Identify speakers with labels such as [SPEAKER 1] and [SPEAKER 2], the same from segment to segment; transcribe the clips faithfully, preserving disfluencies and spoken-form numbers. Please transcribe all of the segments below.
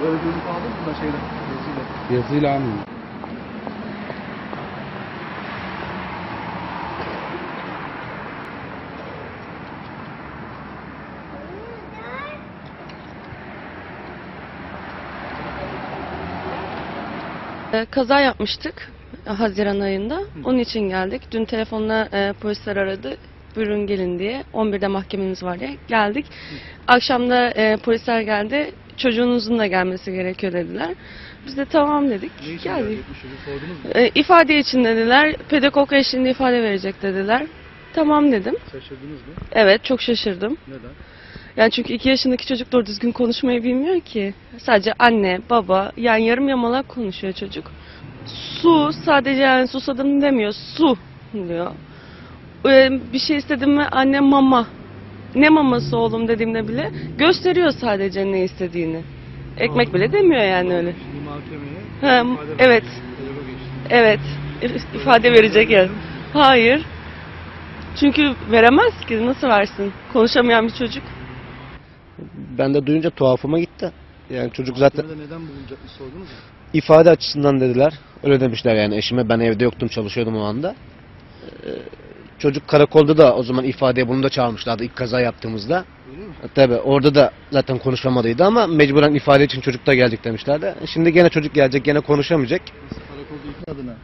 [SPEAKER 1] Öyle görüntü aldın mı da şeyle? Yazıyla.
[SPEAKER 2] Yazıyla almıyorum.
[SPEAKER 3] E, Kaza yapmıştık Haziran ayında. Onun için geldik. Dün telefonla e, polisler aradı. Buyurun gelin diye. on birde mahkemeniz var diye. Geldik. Akşam da e, polisler geldi. Çocuğunuzun da gelmesi gerekiyor dediler. Biz de tamam dedik.
[SPEAKER 1] Ne için
[SPEAKER 3] Geldik.
[SPEAKER 1] gelecekmiş çocuk sordunuz mu?
[SPEAKER 3] E, ifade için dediler. Pedagog eşliğinde ifade verecek dediler. Tamam dedim.
[SPEAKER 1] Şaşırdınız mı?
[SPEAKER 3] Evet, çok şaşırdım.
[SPEAKER 1] Neden?
[SPEAKER 3] Yani çünkü iki yaşındaki çocuk doğru düzgün konuşmayı bilmiyor ki. Sadece anne, baba, yani yarım yamalak konuşuyor çocuk. Su, sadece yani susadım demiyor, su diyor. Ee, bir şey istedim mi anne mama. Ne maması oğlum dediğimde bile gösteriyor sadece ne istediğini. Ekmek bile demiyor yani öyle.
[SPEAKER 1] Şimdi mahkemeye
[SPEAKER 3] Ha,
[SPEAKER 1] ifade
[SPEAKER 3] evet.
[SPEAKER 1] verecek, pedagog eşliğinde.
[SPEAKER 3] Evet, if- ifade verecek yani. Hayır. Çünkü veremez ki, nasıl versin? Konuşamayan bir çocuk.
[SPEAKER 4] Ben de duyunca tuhafıma gitti. Yani çocuk zaten
[SPEAKER 1] Mahkemede neden bulunacakmış sordunuz mu?
[SPEAKER 4] ifade açısından dediler. Öyle demişler yani eşime. Ben evde yoktum, çalışıyordum o anda. Ee, çocuk karakolda da o zaman ifadeye bunu da çağırmışlardı ilk kaza yaptığımızda.
[SPEAKER 1] Öyle mi?
[SPEAKER 4] Tabii orada da zaten konuşamadıydı ama mecburen ifade için çocuk da geldik demişlerdi. Şimdi gene çocuk gelecek, gene konuşamayacak.
[SPEAKER 1] Nasıl karakolda iki adına?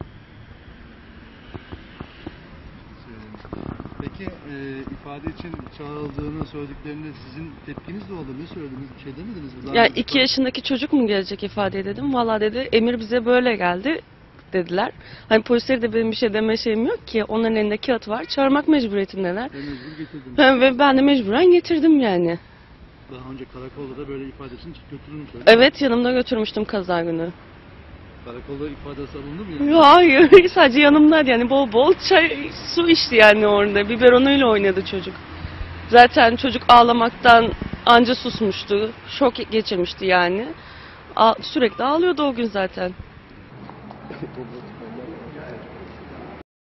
[SPEAKER 1] Peki e, ifade için çağrıldığını söylediklerinde sizin tepkiniz ne oldu? Ne söylediniz? Bir şey demediniz mi? Daha
[SPEAKER 3] Ya
[SPEAKER 1] önce
[SPEAKER 3] iki yaşındaki çocuk mu gelecek ifadeye dedim. Valla dedi emir bize böyle geldi dediler. Hani polisleri de benim bir şey deme şeyim yok ki. Onların elinde kağıt var. Çağırmak mecburiyetindeler.
[SPEAKER 1] ve mecbur getirdiniz.
[SPEAKER 3] Ha, ve ben de mecburen getirdim yani.
[SPEAKER 1] Daha önce karakolda da böyle ifade için götürülmüş. öyle mi?
[SPEAKER 3] Evet, yanımda götürmüştüm kaza günü.
[SPEAKER 1] Karakolda ifadesi alındı mı? Yani?
[SPEAKER 3] Ya hayır, sadece yanımdaydı yani, bol bol çay, su içti yani orada. Biberonuyla oynadı çocuk. Zaten çocuk ağlamaktan anca susmuştu. Şok geçirmişti yani. A- sürekli ağlıyordu o gün zaten.